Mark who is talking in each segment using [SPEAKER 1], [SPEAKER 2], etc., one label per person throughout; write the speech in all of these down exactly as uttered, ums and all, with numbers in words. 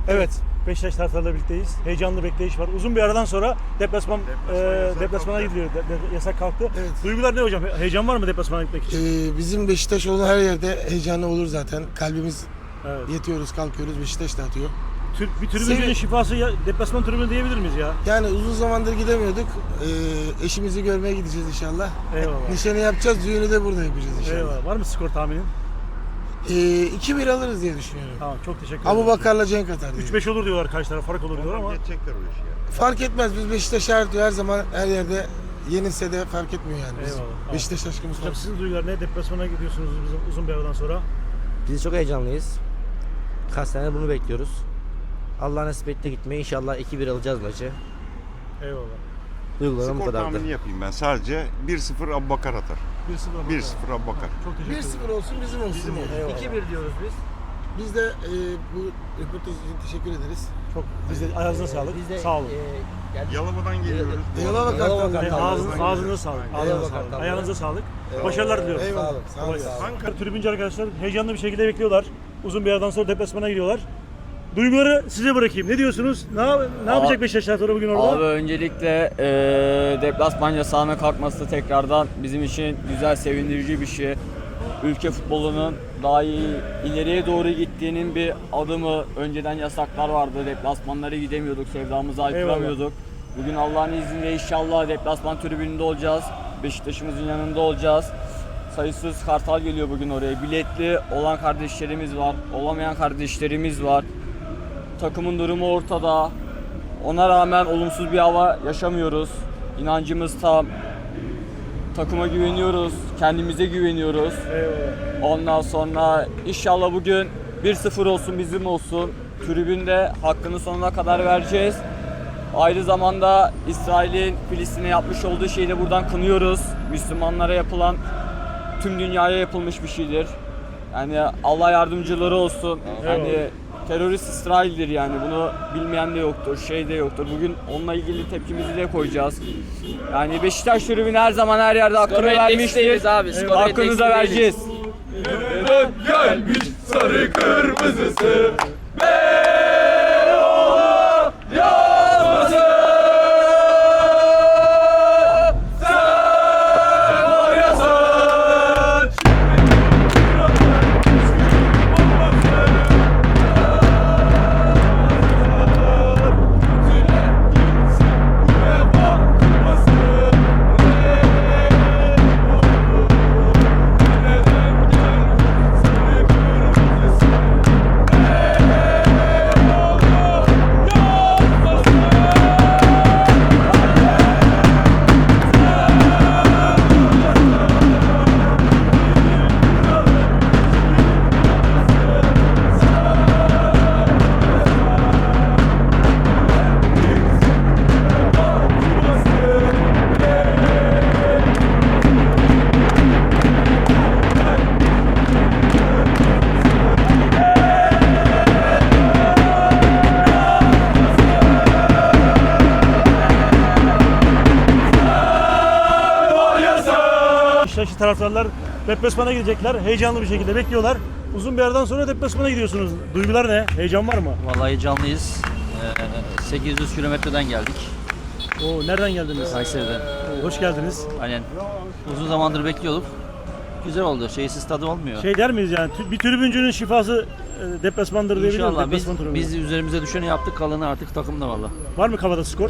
[SPEAKER 1] Evet, Beşiktaş taraftarlarıyla birlikteyiz. Heyecanlı bekleyiş var. Uzun bir aradan sonra deplasman
[SPEAKER 2] Deplasman
[SPEAKER 1] e,
[SPEAKER 2] yasak
[SPEAKER 1] deplasmana
[SPEAKER 2] kalktı.
[SPEAKER 1] gidiliyor. De, de, yasak kalktı.
[SPEAKER 3] Evet.
[SPEAKER 1] Duygular ne hocam? Heyecan var mı deplasmana gitmek için?
[SPEAKER 3] Ee, bizim Beşiktaş olan her yerde heyecanlı olur zaten. Kalbimiz
[SPEAKER 1] Evet.
[SPEAKER 3] yetiyoruz, kalkıyoruz. Beşiktaş da atıyor.
[SPEAKER 1] Tür, bir tribüncünün
[SPEAKER 3] Sevi-
[SPEAKER 1] şifası ya, deplasman tribünü diyebilir miyiz ya?
[SPEAKER 3] Yani uzun zamandır gidemiyorduk. Ee, eşimizi görmeye gideceğiz inşallah.
[SPEAKER 1] Eyvallah.
[SPEAKER 3] Nişanı yapacağız, düğünü de burada yapacağız inşallah.
[SPEAKER 1] Eyvallah. Var mı skor tahminin?
[SPEAKER 3] Ee, iki bir alırız diye düşünüyorum.
[SPEAKER 1] Tamam, çok teşekkür ederim.
[SPEAKER 3] Abu Bakar'la Cenk atar diye.
[SPEAKER 1] üç beş olur diyorlar, karşı taraf fark olur diyorlar ama.
[SPEAKER 2] Geçecekler o işi ya.
[SPEAKER 3] Fark etmez, biz Beşiktaş her, her zaman her yerde yenilse de fark etmiyor yani. Biz
[SPEAKER 1] Eyvallah.
[SPEAKER 3] Beşiktaş aşkımız
[SPEAKER 1] Hocam
[SPEAKER 3] var.
[SPEAKER 1] sizin duygular ne? Deplasmana gidiyorsunuz bizim uzun bir aradan sonra.
[SPEAKER 4] Biz çok heyecanlıyız. Kaç senedir bunu bekliyoruz. Allah nasip etti gitmeyi. İnşallah iki bir alacağız maçı.
[SPEAKER 1] Eyvallah.
[SPEAKER 4] Duygularım bu
[SPEAKER 2] Skor
[SPEAKER 4] kadardı.
[SPEAKER 2] tahmini yapayım ben. Sadece bir sıfır Abubakar atar.
[SPEAKER 1] bir sıfır
[SPEAKER 2] bir sıfır Abubakar.
[SPEAKER 1] Çok teşekkür
[SPEAKER 3] bir
[SPEAKER 1] ederim.
[SPEAKER 3] sıfır olsun, bizim olsun.
[SPEAKER 2] Bizim
[SPEAKER 3] yani.
[SPEAKER 1] Eyvallah.
[SPEAKER 4] iki bir diyoruz biz.
[SPEAKER 3] Biz de e, bu röportaj için teşekkür ederiz.
[SPEAKER 1] Çok, biz de ayağınıza sağlık.
[SPEAKER 4] Biz de,
[SPEAKER 1] Sağ olun.
[SPEAKER 4] e, geldik.
[SPEAKER 2] Yalova'dan geliyoruz.
[SPEAKER 3] Eyvallah
[SPEAKER 4] Eyvallah
[SPEAKER 3] Kartal.
[SPEAKER 4] Kartal.
[SPEAKER 1] Ay,
[SPEAKER 4] Tamam.
[SPEAKER 1] ağzın,
[SPEAKER 2] Ağzından
[SPEAKER 1] ağzınıza
[SPEAKER 2] geliyoruz.
[SPEAKER 1] sağlık.
[SPEAKER 2] Aynen.
[SPEAKER 1] Ağzınıza
[SPEAKER 4] Eyvallah
[SPEAKER 1] sağlık.
[SPEAKER 4] Kartal.
[SPEAKER 1] Ayağınıza sağlık.
[SPEAKER 4] Eyvallah.
[SPEAKER 1] Başarılar diliyorum.
[SPEAKER 3] Eyvallah.
[SPEAKER 4] Sağ olun.
[SPEAKER 3] Sağ olun.
[SPEAKER 1] Kolay
[SPEAKER 3] Sağ olun.
[SPEAKER 1] gelsin. Ankara tribüncü arkadaşlar heyecanlı bir şekilde bekliyorlar. Uzun bir aradan sonra deplasmana gidiyorlar. Duyguları size bırakayım. Ne diyorsunuz? Ne, yap- ne yapacak Beşiktaş taraftarı bugün orada?
[SPEAKER 5] Abi öncelikle e, deplasman yasağına kalkması tekrardan bizim için güzel, sevindirici bir şey. Ülke futbolunun daha iyi ileriye doğru gittiğinin bir adımı. Önceden yasaklar vardı, deplasmanlara gidemiyorduk, sevdamızı haykıramıyorduk. Bugün Allah'ın izniyle inşallah deplasman tribününde olacağız, Beşiktaş'ımızın yanında olacağız. Sayısız kartal geliyor bugün oraya. Biletli olan kardeşlerimiz var, olamayan kardeşlerimiz var. Takımın durumu ortada. Ona rağmen olumsuz bir hava yaşamıyoruz. İnancımız tam. Takıma güveniyoruz, kendimize güveniyoruz.
[SPEAKER 1] Eyvallah.
[SPEAKER 5] Ondan sonra inşallah bugün bir sıfır olsun, bizim olsun. Tribünde hakkını sonuna kadar vereceğiz. Aynı zamanda İsrail'in Filistin'e yapmış olduğu şeyi de buradan kınıyoruz. Müslümanlara yapılan, tüm dünyaya yapılmış bir şeydir. Yani Allah yardımcıları olsun. Yani terörist İsrail'dir yani. Bunu bilmeyen de yoktur, şey de yoktur. Bugün onunla ilgili tepkimizi de koyacağız. Yani Beşiktaş tribünü her zaman her yerde hakkını vermiştir.
[SPEAKER 6] abi. skor
[SPEAKER 5] Hakkını da vereceğiz.
[SPEAKER 7] Gelmiş sarı kırmızısı
[SPEAKER 1] Beşiktaşlı taraftarlar deplasmana gidecekler. Heyecanlı bir şekilde bekliyorlar. Uzun bir aradan sonra deplasmana gidiyorsunuz. Duygular ne? Heyecan var mı?
[SPEAKER 6] Vallahi heyecanlıyız. Ee, sekiz yüz kilometreden geldik
[SPEAKER 1] Oo, nereden geldiniz?
[SPEAKER 6] Kayseri'den.
[SPEAKER 1] Oo, hoş geldiniz.
[SPEAKER 6] Aynen. Uzun zamandır bekliyorduk. Güzel oldu. Şeysiz tadı olmuyor.
[SPEAKER 1] Şey der miyiz yani? tü- Bir tribüncünün şifası e, deplasmandır diyebilir miyiz?
[SPEAKER 6] İnşallah biz,
[SPEAKER 1] Deplasman tribünü.
[SPEAKER 6] biz üzerimize düşeni yaptık. Kalanı artık takımda valla.
[SPEAKER 1] Var mı kafada skor?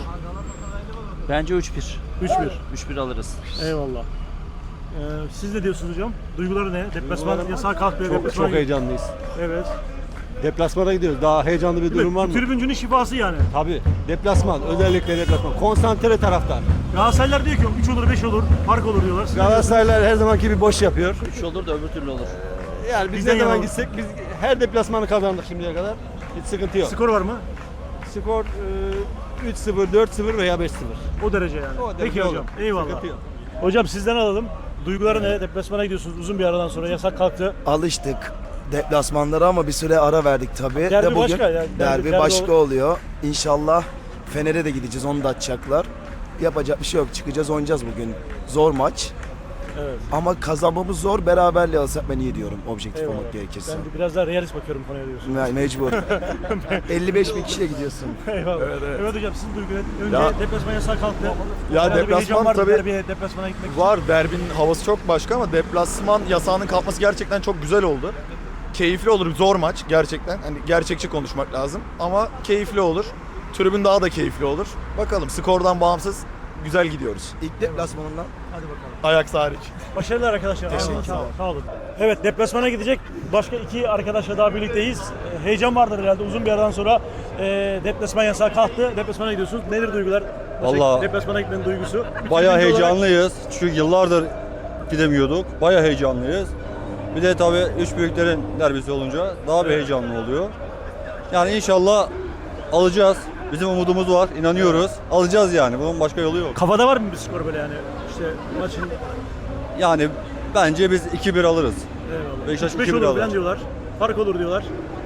[SPEAKER 6] Bence üç bir.
[SPEAKER 1] üç bir.
[SPEAKER 6] üç bir alırız.
[SPEAKER 1] Eyvallah. Ee, siz ne diyorsunuz hocam? Duyguları ne? Deplasman yasağı kalkıyor.
[SPEAKER 8] Çok,
[SPEAKER 1] deplasmana
[SPEAKER 8] çok heyecanlıyız.
[SPEAKER 1] Evet.
[SPEAKER 8] Deplasmana gidiyoruz. Daha heyecanlı bir
[SPEAKER 1] Değil mi?
[SPEAKER 8] durum var
[SPEAKER 1] Bu
[SPEAKER 8] mı?
[SPEAKER 1] tribüncünün şifası yani.
[SPEAKER 8] Tabii. Deplasman. Özellikle deplasman. Konsantre taraftar.
[SPEAKER 1] Galatasaraylar diyor ki üç olur beş olur fark olur diyorlar. Siz ne diyorsunuz?
[SPEAKER 8] Galatasaraylar her zamanki bir boş yapıyor.
[SPEAKER 6] üç olur da öbür türlü olur.
[SPEAKER 8] Yani biz
[SPEAKER 1] Bizden
[SPEAKER 8] ne zaman
[SPEAKER 1] yana-
[SPEAKER 8] gitsek biz her deplasmanı kazandık şimdiye kadar. Hiç sıkıntı yok.
[SPEAKER 1] Skor var mı?
[SPEAKER 8] Skor e, üç sıfır, dört sıfır veya beş sıfır.
[SPEAKER 1] O derece yani.
[SPEAKER 8] O derece
[SPEAKER 1] Peki hocam.
[SPEAKER 8] olur.
[SPEAKER 1] Eyvallah.
[SPEAKER 8] Sıkıntı yok.
[SPEAKER 1] Hocam sizden alalım. Duyguları ne? Deplasmana gidiyorsunuz uzun bir aradan sonra yasak kalktı.
[SPEAKER 9] Alıştık deplasmanlara ama bir süre ara verdik tabii.
[SPEAKER 1] Derbi
[SPEAKER 9] De bugün
[SPEAKER 1] başka yani. Derbi-
[SPEAKER 9] derbi,
[SPEAKER 1] derbi
[SPEAKER 9] başka
[SPEAKER 1] ol-
[SPEAKER 9] oluyor. İnşallah Fener'e de gideceğiz, onu da açacaklar. Yapacak bir şey yok. Çıkacağız, oynayacağız bugün. Zor maç.
[SPEAKER 1] Evet.
[SPEAKER 9] Ama kazanmamız zor, beraberliği alsak ben iyi diyorum objektif
[SPEAKER 1] Eyvallah.
[SPEAKER 9] olmak gerekirse.
[SPEAKER 1] Ben de biraz daha realist bakıyorum konuya diyorsun.
[SPEAKER 9] Yani mecbur. elli beş bin kişiyle gidiyorsun.
[SPEAKER 1] Eyvallah. Evet, evet. hocam sizin duygular. Önce
[SPEAKER 8] Ya-
[SPEAKER 1] deplasman yasağı kalktı.
[SPEAKER 8] Ya
[SPEAKER 1] Herhalde bir
[SPEAKER 8] deplasman
[SPEAKER 1] heyecan vardı
[SPEAKER 8] tabii-
[SPEAKER 1] derbiye, deplasmana gitmek için.
[SPEAKER 8] Var, derbinin havası çok başka ama deplasman yasağının kalkması gerçekten çok güzel oldu. Keyifli olur, zor maç gerçekten. Hani gerçekçi konuşmak lazım ama keyifli olur. Tribün daha da keyifli olur. Bakalım, skordan bağımsız güzel gidiyoruz.
[SPEAKER 9] İlk deplasmanından.
[SPEAKER 1] Hadi bakalım.
[SPEAKER 8] Ajax hariç.
[SPEAKER 1] Başarılar arkadaşlar.
[SPEAKER 8] Teşekkür
[SPEAKER 1] Sağ
[SPEAKER 8] ederim.
[SPEAKER 1] olun. Sağ olun. Evet, deplasmana gidecek başka iki arkadaşla daha birlikteyiz. Ee, Heyecan vardır herhalde. Uzun bir aradan sonra e, deplasman yasağı kalktı. Deplasmana gidiyorsunuz. Nedir duygular?
[SPEAKER 10] Vallahi-
[SPEAKER 1] Deplasmana gitmenin duygusu. Bir
[SPEAKER 10] Bayağı
[SPEAKER 1] tribün olarak-
[SPEAKER 10] heyecanlıyız. Çünkü yıllardır gidemiyorduk. Bayağı heyecanlıyız. Bir de tabii üç büyüklerin derbisi olunca daha bir heyecanlı oluyor. Yani inşallah alacağız. Bizim umudumuz var, inanıyoruz. Alacağız yani. Bunun başka yolu yok.
[SPEAKER 1] Kafada var mı bir skor böyle yani? İşte maçın
[SPEAKER 10] Yani bence biz iki bir alırız.
[SPEAKER 1] eyvallah.
[SPEAKER 10] Beşiktaş
[SPEAKER 1] üç beş
[SPEAKER 10] iki bir
[SPEAKER 1] olur
[SPEAKER 10] alır.
[SPEAKER 1] falan diyorlar. Fark olur diyorlar.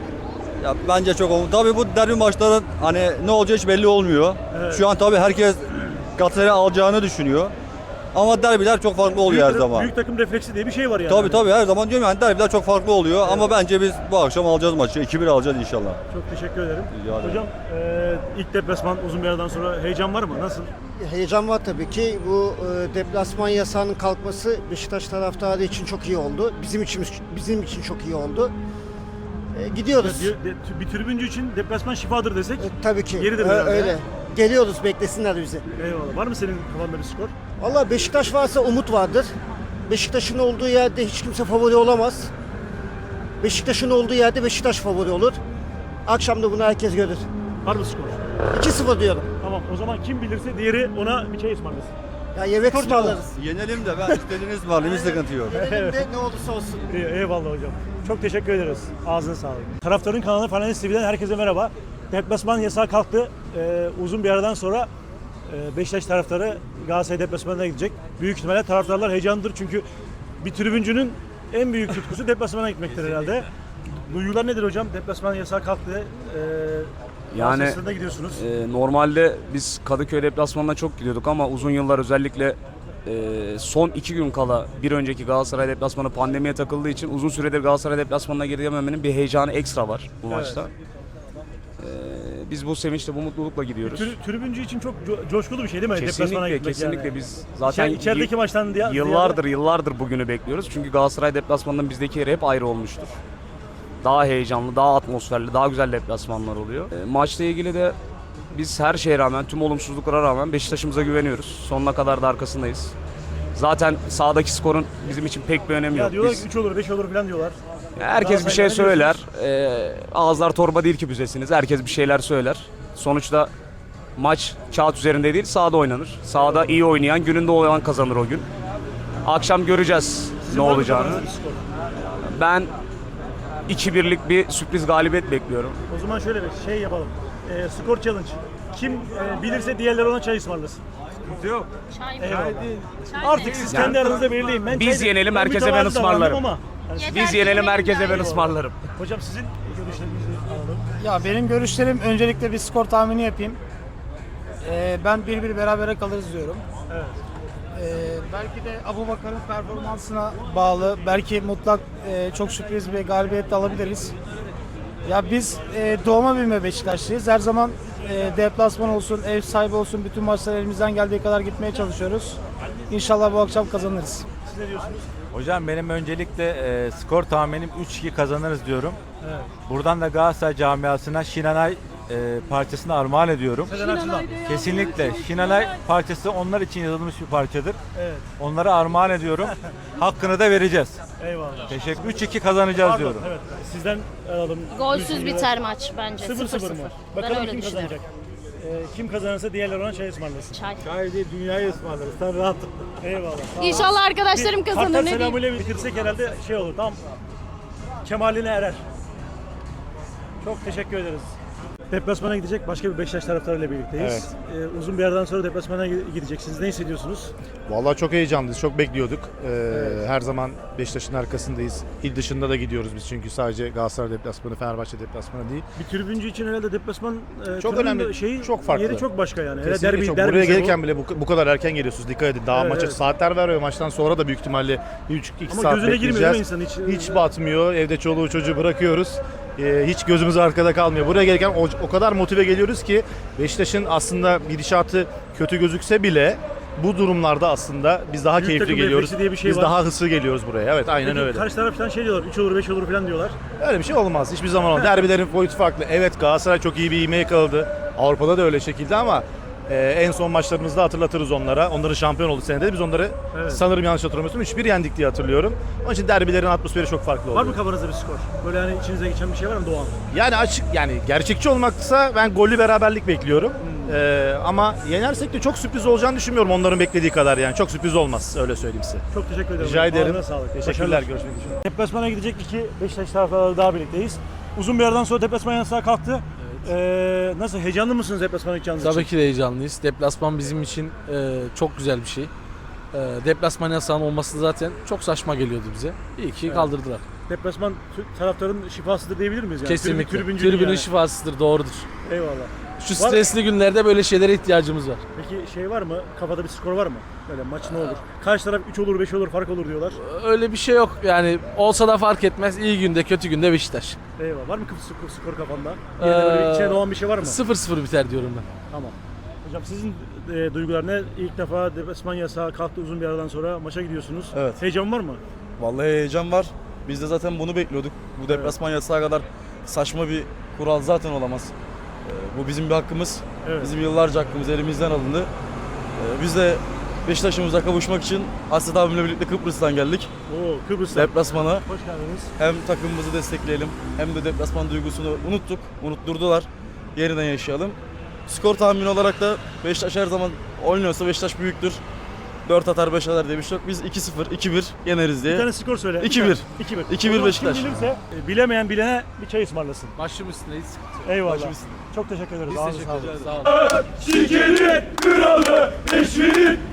[SPEAKER 10] Ya bence çok olumlu. Tabii bu derbi maçların hani ne olacağı hiç belli olmuyor.
[SPEAKER 1] Evet.
[SPEAKER 10] Şu an tabii herkes Galatasaray'ı alacağını düşünüyor. Ama derbiler çok farklı oluyor her
[SPEAKER 1] Büyük,
[SPEAKER 10] zaman.
[SPEAKER 1] büyük takım refleksi diye bir şey var yani.
[SPEAKER 10] Tabii tabii her zaman diyorum yani derbiler çok farklı oluyor ama bence biz bu akşam alacağız maçı. iki bir alacağız inşallah.
[SPEAKER 1] Çok teşekkür ederim.
[SPEAKER 10] Rica ederim.
[SPEAKER 1] Hocam e, ilk deplasman uzun bir aradan sonra heyecan var mı? Nasıl?
[SPEAKER 11] Heyecan var tabii ki. Bu e, deplasman yasağının kalkması Beşiktaş taraftarı için çok iyi oldu. Bizim için bizim için çok iyi oldu. E, gidiyoruz.
[SPEAKER 1] De- de- bir tribüncü için deplasman şifadır desek.
[SPEAKER 11] E, tabii ki.
[SPEAKER 1] Yeridir
[SPEAKER 11] Ö-
[SPEAKER 1] herhalde.
[SPEAKER 11] öyle. Geliyoruz, beklesinler bizi.
[SPEAKER 1] Eyvallah. Var mı senin kafanda bir skor?
[SPEAKER 11] Vallahi Beşiktaş varsa umut vardır. Beşiktaş'ın olduğu yerde hiç kimse favori olamaz. Beşiktaş'ın olduğu yerde Beşiktaş favori olur. Akşam da bunu herkes görür.
[SPEAKER 1] Var mı skor?
[SPEAKER 11] iki sıfır diyorum.
[SPEAKER 1] Tamam, o zaman kim bilirse diğeri ona bir çay ısmarlasın.
[SPEAKER 11] Ya yemek ısmarlarız.
[SPEAKER 10] Yenelim de ben istediğiniz var. Bir sıkıntı yok.
[SPEAKER 11] Gelelim de ne olursa olsun.
[SPEAKER 1] İyi, eyvallah hocam. Çok teşekkür ederiz. Ağzına sağlık. Taraftarın kanalı Fenerlist T V'den herkese merhaba. Deplasman yasağı kalktı. Ee, uzun bir aradan sonra e, Beşiktaş taraftarı Galatasaray deplasmanına gidecek. Büyük ihtimalle taraftarlar heyecanlıdır çünkü bir tribüncünün en büyük tutkusu deplasmana gitmektir herhalde. Duygular nedir hocam? Deplasman yasağı kalktı. Ee,
[SPEAKER 12] Yani
[SPEAKER 1] Galatasaray'da gidiyorsunuz.
[SPEAKER 12] e, normalde biz Kadıköy deplasmanına çok gidiyorduk ama uzun yıllar özellikle e, son iki gün kala bir önceki Galatasaray deplasmanı pandemiye takıldığı için uzun süredir Galatasaray deplasmanına gidememenin bir heyecanı ekstra var bu
[SPEAKER 1] Evet.
[SPEAKER 12] maçta. E, biz bu sevinçle, bu mutlulukla gidiyoruz.
[SPEAKER 1] Tribüncü tribüncü için çok co- coşkulu bir şey değil mi? Deplasmana
[SPEAKER 12] Kesinlikle,
[SPEAKER 1] gitmek
[SPEAKER 12] kesinlikle
[SPEAKER 1] yani.
[SPEAKER 12] biz zaten
[SPEAKER 1] İçer- içerideki
[SPEAKER 12] y-
[SPEAKER 1] maçtan diye
[SPEAKER 12] yıllardır yıllardır bugünü bekliyoruz. Çünkü Galatasaray deplasmanının bizdeki yeri hep ayrı olmuştur. Daha heyecanlı, daha atmosferli, daha güzel deplasmanlar oluyor. E, maçla ilgili de biz her şeye rağmen, tüm olumsuzluklara rağmen Beşiktaş'ımıza güveniyoruz. Sonuna kadar da arkasındayız. Zaten sahadaki skorun bizim için pek bir önemi
[SPEAKER 1] Ya
[SPEAKER 12] yok.
[SPEAKER 1] diyorlar
[SPEAKER 12] Biz-
[SPEAKER 1] ki üç olur, beş olur falan diyorlar.
[SPEAKER 12] herkes bir şey
[SPEAKER 1] Galatasaray'da ne
[SPEAKER 12] söyler. E, ağızlar torba değil ki büzesiniz. Herkes bir şeyler söyler. Sonuçta maç kağıt üzerinde değil, sahada oynanır. Sahada iyi oynayan, gününde olan kazanır o gün. Akşam göreceğiz
[SPEAKER 1] Sizin
[SPEAKER 12] ne
[SPEAKER 1] var mı
[SPEAKER 12] olacağını.
[SPEAKER 1] kafanızda bir skor?
[SPEAKER 12] Ben iki birlik bir sürpriz galibiyet bekliyorum.
[SPEAKER 1] O zaman şöyle bir şey yapalım. Ee, skor challenge. Kim e, bilirse diğerleri ona çay ısmarlasın.
[SPEAKER 8] Yok.
[SPEAKER 1] Eyvallah. Artık siz kendi aranızda belirleyin. Ben
[SPEAKER 12] Biz
[SPEAKER 1] çay-
[SPEAKER 12] yenelim,
[SPEAKER 1] ben
[SPEAKER 12] herkese ben
[SPEAKER 1] mütevazı davrandım
[SPEAKER 12] ısmarlarım.
[SPEAKER 1] Ama, yani siz-
[SPEAKER 12] Biz yenelim, herkese ben ısmarlarım.
[SPEAKER 1] hocam sizin görüşlerinizi alalım.
[SPEAKER 13] Ya benim görüşlerim öncelikle bir skor tahmini yapayım. Ee, ben bir bir berabere kalırız diyorum.
[SPEAKER 1] Evet.
[SPEAKER 13] Ee, belki de Abubakar'ın performansına bağlı. Belki mutlak e, çok sürpriz bir galibiyet de alabiliriz. Ya biz e, doğma büyüme Beşiktaşlıyız. Her zaman e, deplasman olsun, ev sahibi olsun bütün maçlara elimizden geldiği kadar gitmeye çalışıyoruz. İnşallah bu akşam kazanırız.
[SPEAKER 1] Siz ne diyorsunuz?
[SPEAKER 8] Hocam benim öncelikle e, skor tahminim üç iki kazanırız diyorum.
[SPEAKER 1] Evet.
[SPEAKER 8] Buradan da Galatasaray camiasına Şinanay e, parçasını armağan ediyorum.
[SPEAKER 1] Sezen Aksu'dan.
[SPEAKER 8] Kesinlikle. Şinanay parçası onlar için yazılmış bir parçadır.
[SPEAKER 1] Evet.
[SPEAKER 8] Onlara armağan ediyorum. Hakkını da vereceğiz.
[SPEAKER 1] Eyvallah.
[SPEAKER 8] Teşekkür. üç iki kazanacağız
[SPEAKER 1] Pardon,
[SPEAKER 8] diyorum.
[SPEAKER 1] evet. Sizden alalım.
[SPEAKER 14] Golsüz
[SPEAKER 1] Düşünceler.
[SPEAKER 14] biter maç bence.
[SPEAKER 1] sıfır sıfır mı?
[SPEAKER 14] Ben
[SPEAKER 1] Bakalım
[SPEAKER 14] öyle
[SPEAKER 1] kim
[SPEAKER 14] düşünüyorum.
[SPEAKER 1] kazanacak. Ee, kim kazanırsa diğerleri ona çay ısmarlasın.
[SPEAKER 14] Çay.
[SPEAKER 8] Çay değil dünyayı ısmarlarız. Sen rahat ol.
[SPEAKER 1] Eyvallah. sağ ol.
[SPEAKER 14] İnşallah arkadaşlarım
[SPEAKER 1] Bir
[SPEAKER 14] kazanır.
[SPEAKER 1] Kartal
[SPEAKER 14] Ne diyeyim?
[SPEAKER 1] selamıyla bitirsek herhalde şey olur. Tam kemaline erer. Çok teşekkür ederiz. Deplasmana gidecek başka bir Beşiktaş taraftarıyla birlikteyiz. Ee, uzun bir aradan sonra deplasmana gideceksiniz. Ne hissediyorsunuz?
[SPEAKER 14] Vallahi çok heyecanlıyız, çok bekliyorduk. Ee, Her zaman Beşiktaş'ın arkasındayız. İl dışında da gidiyoruz biz çünkü sadece Galatasaray deplasmanı, Fenerbahçe deplasmanı değil.
[SPEAKER 1] Bir tribüncü için herhalde deplasman e,
[SPEAKER 14] Çok
[SPEAKER 1] tribünün
[SPEAKER 14] önemli,
[SPEAKER 1] şeyi,
[SPEAKER 14] çok farklı.
[SPEAKER 1] yeri çok başka yani. Hele
[SPEAKER 14] Kesinlikle
[SPEAKER 1] derbi,
[SPEAKER 14] çok.
[SPEAKER 1] derbi
[SPEAKER 14] Buraya
[SPEAKER 1] ise
[SPEAKER 14] gelirken
[SPEAKER 1] bu.
[SPEAKER 14] bile bu, bu kadar erken geliyorsunuz. Dikkat edin. Daha
[SPEAKER 1] Evet,
[SPEAKER 14] maça
[SPEAKER 1] evet.
[SPEAKER 14] saatler veriyor. Maçtan sonra da büyük ihtimalle bir buçuk iki
[SPEAKER 1] Ama
[SPEAKER 14] saat
[SPEAKER 1] gözüne girmiyor
[SPEAKER 14] bekleyeceğiz.
[SPEAKER 1] değil mi insan hiç?
[SPEAKER 14] Hiç batmıyor. Evde çoluğu çocuğu bırakıyoruz. Ee, hiç gözümüz arkada kalmıyor. Buraya gelirken o, o kadar motive geliyoruz ki Beşiktaş'ın aslında gidişatı kötü gözükse bile bu durumlarda aslında biz daha
[SPEAKER 1] Büyük
[SPEAKER 14] keyifli
[SPEAKER 1] takım
[SPEAKER 14] geliyoruz.
[SPEAKER 1] refleksi diye bir şey
[SPEAKER 14] biz
[SPEAKER 1] var.
[SPEAKER 14] daha hızlı geliyoruz buraya. Evet, aynen
[SPEAKER 1] Peki,
[SPEAKER 14] öyle.
[SPEAKER 1] karşı taraftan şey diyorlar, üç olur beş olur falan diyorlar.
[SPEAKER 14] Öyle bir şey olmaz. Hiçbir zaman olmaz. Derbilerin boyutu farklı. Evet, Galatasaray çok iyi bir ivme yakaladı. Avrupa'da da öyle şekilde ama e, en son maçlarımızda hatırlatırız onlara. Onların şampiyon oldu senede. Biz onları
[SPEAKER 1] Evet.
[SPEAKER 14] sanırım yanlış hatırlamıyorsam üç bir yendik diye hatırlıyorum. Onun için derbilerin atmosferi çok farklı
[SPEAKER 1] Var
[SPEAKER 14] oluyor.
[SPEAKER 1] mı kafanızda bir skor? Böyle hani içinize geçen bir şey var mı Doğan?
[SPEAKER 14] Yani açık, yani gerçekçi olmaksa ben gollü beraberlik bekliyorum.
[SPEAKER 1] Hmm.
[SPEAKER 14] E, ama yenersek de çok sürpriz olacağını düşünmüyorum onların beklediği kadar yani. Çok sürpriz olmaz, öyle söyleyeyim size.
[SPEAKER 1] Çok teşekkür ederim.
[SPEAKER 14] Rica ederim.
[SPEAKER 1] Ağzına sağlık.
[SPEAKER 14] Teşekkürler.
[SPEAKER 1] Başarılar.
[SPEAKER 14] Görüşmek üzere.
[SPEAKER 1] Deplasmana gidecek iki Beşiktaş taraftarları daha birlikteyiz. Uzun bir aradan sonra deplasman yasağı kalktı. Ee, nasıl, heyecanlı mısınız deplasmana gideceğiniz için?
[SPEAKER 15] Tabii ki de heyecanlıyız. Deplasman bizim için e, çok güzel bir şey. E, deplasman yasağının olması zaten çok saçma geliyordu bize. İyi ki
[SPEAKER 1] Evet.
[SPEAKER 15] kaldırdılar.
[SPEAKER 1] Deplasman tü- taraftarın şifasıdır diyebilir miyiz? Yani?
[SPEAKER 15] Kesinlikle.
[SPEAKER 1] Tribün-
[SPEAKER 15] Tribünün
[SPEAKER 1] yani.
[SPEAKER 15] şifasıdır, doğrudur.
[SPEAKER 1] Eyvallah.
[SPEAKER 15] Şu
[SPEAKER 1] Var-
[SPEAKER 15] stresli günlerde böyle şeylere ihtiyacımız var.
[SPEAKER 1] Peki şey var mı? Kafada bir skor var mı? Böyle maç ne olur? Karşı taraf üç olur, beş olur, fark olur diyorlar.
[SPEAKER 15] Öyle bir şey yok. Yani olsa da fark etmez. İyi günde, kötü günde Beşiktaş.
[SPEAKER 1] Eyvallah. Var mı skor, skor kafanda? Yerine böyle bir içine doğan bir şey var mı?
[SPEAKER 15] sıfır sıfır biter diyorum ben.
[SPEAKER 1] Tamam. Hocam sizin e, duygular ne? İlk defa deplasman yasağı kalktı uzun bir aradan sonra maça gidiyorsunuz.
[SPEAKER 8] Evet.
[SPEAKER 1] Heyecan var mı?
[SPEAKER 8] Vallahi heyecan var. Biz de zaten bunu bekliyorduk. Bu deplasman yasağı kadar saçma bir kural zaten olamaz. Ee, bu bizim bir hakkımız.
[SPEAKER 1] Evet.
[SPEAKER 8] Bizim yıllarca hakkımız elimizden alındı. Ee, biz de Beşiktaş'ımıza kavuşmak için Hasret abimle birlikte Kıbrıs'tan geldik.
[SPEAKER 1] Oo, Kıbrıs'ta.
[SPEAKER 8] Deplasmana.
[SPEAKER 1] Hoş geldiniz.
[SPEAKER 8] Hem takımımızı destekleyelim hem de deplasman duygusunu unuttuk. Unutturdular. Yeniden yaşayalım. Skor tahmini olarak da Beşiktaş her zaman oynuyorsa Beşiktaş büyüktür. dört atar beş atar diye bir şey yok. Biz iki sıfır, iki bir yeneriz diye.
[SPEAKER 1] Bir tane skor söyle.
[SPEAKER 8] iki bir.
[SPEAKER 1] iki bir.
[SPEAKER 8] iki bir Beşiktaş.
[SPEAKER 1] Kim bilirse e, bilemeyen bilene bir çay ısmarlasın.
[SPEAKER 15] Başım üstündeyiz.
[SPEAKER 1] Eyvallah.
[SPEAKER 8] Başım üstüne.
[SPEAKER 1] Çok teşekkür ederiz.
[SPEAKER 15] Biz
[SPEAKER 1] Ağzına
[SPEAKER 15] teşekkür
[SPEAKER 1] sağlık.
[SPEAKER 15] ederiz. Sağ olun.
[SPEAKER 7] Şikerin kralı, eşinin